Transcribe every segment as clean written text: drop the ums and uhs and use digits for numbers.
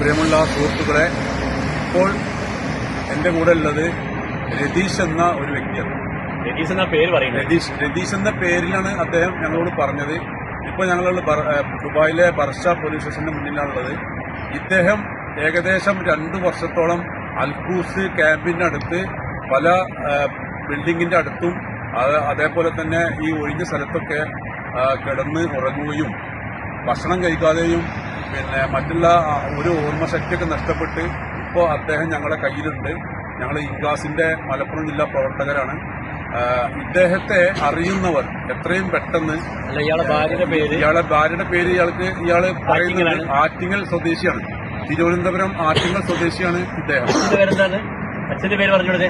പ്രിയമുള്ള സുഹൃത്തുക്കളെ, ഇപ്പോൾ എൻ്റെ കൂടെ ഉള്ളത് രതീഷ് എന്ന ഒരു വ്യക്തിയാണ്. രതീഷ് എന്ന പേര് പറയുന്നത് രതീഷ് എന്ന പേരിലാണ് അദ്ദേഹം ഞങ്ങളോട് പറഞ്ഞത്. ഇപ്പോൾ ഞങ്ങളുള്ള ദുബായിലെ ബർഷ പോലീസ് സ്റ്റേഷന്റെ മുന്നിലാണുള്ളത്. ഇദ്ദേഹം ഏകദേശം 2 വർഷത്തോളം അൽഖൂസ് ക്യാമ്പിന്റെ അടുത്ത് പല ബിൽഡിങ്ങിന്റെ അടുത്തും അതേപോലെ തന്നെ ഈ ഒഴിഞ്ഞ സ്ഥലത്തൊക്കെ കിടന്ന് ഉറങ്ങുകയും ഭക്ഷണം കഴിക്കാതെയും പിന്നെ മറ്റുള്ള ഒരു ഓർമ്മശക്തിയൊക്കെ നഷ്ടപ്പെട്ട് ഇപ്പോൾ അദ്ദേഹം ഞങ്ങളുടെ കയ്യിലുണ്ട്. ഞങ്ങൾ ഇൻഗാസിന്റെ മലപ്പുറം ജില്ലാ പ്രവർത്തകരാണ്. ഇദ്ദേഹത്തെ അറിയുന്നവർ എത്രയും പെട്ടെന്ന് ഇയാളുടെ ഭാര്യയുടെ പേര് ഇയാള് പറയുന്നത് ആറ്റിങ്ങൽ സ്വദേശിയാണ്. തിരുവനന്തപുരം ആറ്റിങ്ങൽ സ്വദേശിയാണ് ഇദ്ദേഹം. അച്ഛന്റെ പേര് പറഞ്ഞോളൂ.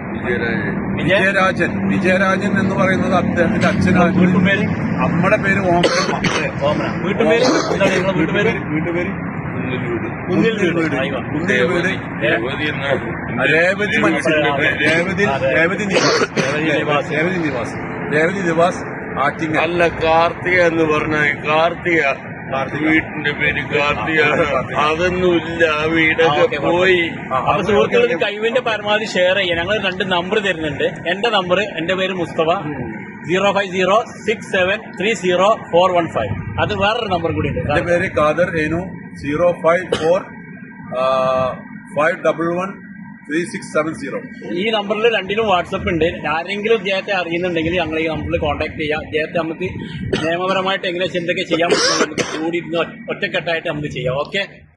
വിജയരാജൻ എന്ന് പറയുന്നത് അദ്ദേഹത്തിന്റെ അച്ഛനാണ്. അമ്മയുടെ പേര് ഓമന. വീട്ടുപേര് രേവതി നിവാസ് ആറ്റിങ്ങൽ. അല്ല, കാർത്തിക എന്ന് പറഞ്ഞാൽ കാർത്തിക വീട്ടിന്റെ പേര് കാർത്തിക. അതൊന്നുമില്ല, വീടൊക്കെ പോയി. അപ്പൊ സുഹൃത്തുക്കൾക്ക് കഴിവിന്റെ പരമാവധി ഷെയർ ചെയ്യാൻ ഞങ്ങൾ 2 നമ്പർ തരുന്നുണ്ട്. എന്റെ പേര് മുസ്തഫ. 05067304115. അത് വേറൊരു നമ്പർ കൂടി ഉണ്ട്. എന്റെ പേര് ഖാദർ ഏനു. 054511367 ഈ നമ്പറിൽ 2നും വാട്സപ്പ് ഉണ്ട്. ആരെങ്കിലും ഇദ്ദേഹത്തെ അറിയുന്നുണ്ടെങ്കിൽ ഞങ്ങൾ ഈ നമ്പറിൽ കോൺടാക്ട് ചെയ്യാം. ഇദ്ദേഹത്തെ നമുക്ക് നിയമപരമായിട്ട് എങ്ങനെ എന്തൊക്കെ ചെയ്യാൻ പറ്റും നമുക്ക് കൂടി ഒറ്റക്കെട്ടായിട്ട് നമുക്ക് ചെയ്യാം. ഓക്കെ.